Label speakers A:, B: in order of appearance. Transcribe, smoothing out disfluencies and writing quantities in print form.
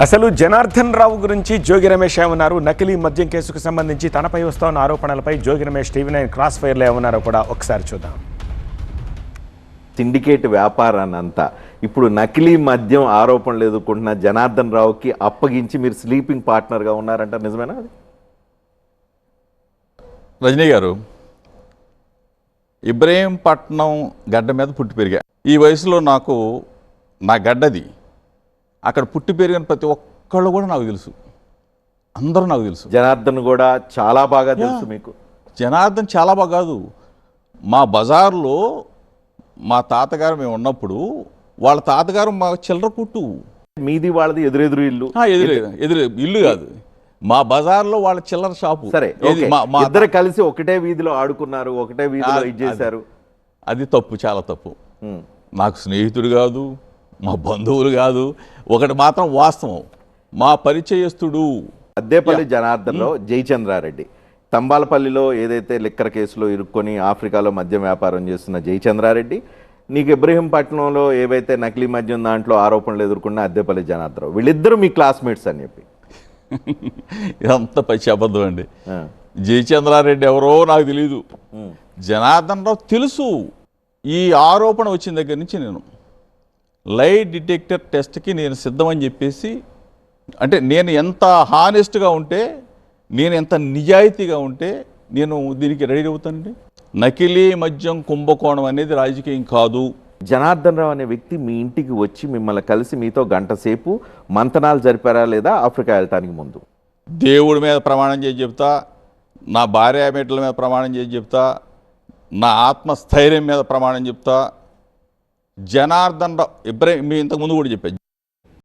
A: అసలు జనార్దన్ రావు గురించి జోగి రమేష్ ఏమన్నారు, నకిలీ మద్యం కేసుకు సంబంధించి తనపై వస్తున్న ఆరోపణలపై జోగి రమేష్ టీవీ9 క్రాస్ ఫైర్లో ఏమన్నారో కూడా ఒకసారి చూద్దాం.
B: సిండికేట్ వ్యాపారాన్ని అంతా ఇప్పుడు నకిలీ మద్యం ఆరోపణలు ఎదుర్కొంటున్న జనార్దన్ రావుకి అప్పగించి మీరు స్లీపింగ్ పార్ట్నర్గా ఉన్నారంట, నిజమేనా? అది
C: రజనీ గారు, ఇబ్రహీంపట్నం గడ్డ మీద పుట్టి పెరిగా. ఈ వయసులో నాకు నా గడ్డది, అక్కడ పుట్టి పెరిగిన ప్రతి ఒక్కళ్ళు కూడా నాకు తెలుసు, అందరూ నాకు తెలుసు.
B: జనార్దన్ కూడా చాలా బాగా తెలుసు మీకు.
C: జనార్దన్ చాలా బాగా కాదు, మా బజార్లో మా తాతగారు మేము ఉన్నప్పుడు వాళ్ళ తాతగారు మా చిల్లర కుట్టు.
B: మీది వాళ్ళది ఎదురెదురు ఇల్లు?
C: ఎదురు ఇల్లు కాదు, మా బజార్లో వాళ్ళ చిల్లర షాపు.
B: సరే, ఇద్దరు కలిసి ఒకటే వీధిలో ఆడుకున్నారు, ఒకటే వీధిలో ఇది చేశారు.
C: అది తప్పు, చాలా తప్పు. నాకు స్నేహితుడు కాదు, మా బంధువులు కాదు. ఒకటి మాత్రం వాస్తవం, మా పరిచయస్తుడు
B: అద్దేపల్లి జనార్దన్లో జయచంద్రారెడ్డి, తంబాలపల్లిలో ఏదైతే లిక్కర్ కేసులో ఇరుక్కొని ఆఫ్రికాలో మద్యం వ్యాపారం చేస్తున్న జయచంద్రారెడ్డి, నీకు ఇబ్రహీంపట్నంలో ఏవైతే నకిలీ మద్యం దాంట్లో ఆరోపణలు ఎదుర్కొన్న అద్దేపల్లి జనార్దన్, వీళ్ళిద్దరూ మీ క్లాస్మేట్స్ అని చెప్పి.
C: ఇదంతా పచ్చి అబద్ధం అండి. జయచంద్రారెడ్డి ఎవరో నాకు తెలీదు, జనార్దన్ రావు తెలుసు. ఈ ఆరోపణ వచ్చిన దగ్గర నుంచి నేను లై డిటెక్టర్ టెస్ట్కి నేను సిద్ధమని చెప్పేసి, అంటే నేను ఎంత హానెస్ట్గా ఉంటే, నేను ఎంత నిజాయితీగా ఉంటే నేను దీనికి రెడీ అవుతానండి. నకిలీ మద్యం కుంభకోణం అనేది రాజకీయం కాదు.
B: జనార్దన్ రావు అనే వ్యక్తి మీ ఇంటికి వచ్చి మిమ్మల్ని కలిసి మీతో గంట సేపు మంతనాలు జరిపారా లేదా ఆఫ్రికా వెళ్ళటానికి ముందు?
C: దేవుడి మీద ప్రమాణం చేసి చెప్తా, నా భార్య బిడ్డల మీద ప్రమాణం చేసి చెప్తా, నా ఆత్మస్థైర్యం మీద ప్రమాణం చెప్తా. జనార్దన్ రావు మీ ఇంతకుముందు కూడా చెప్పాను,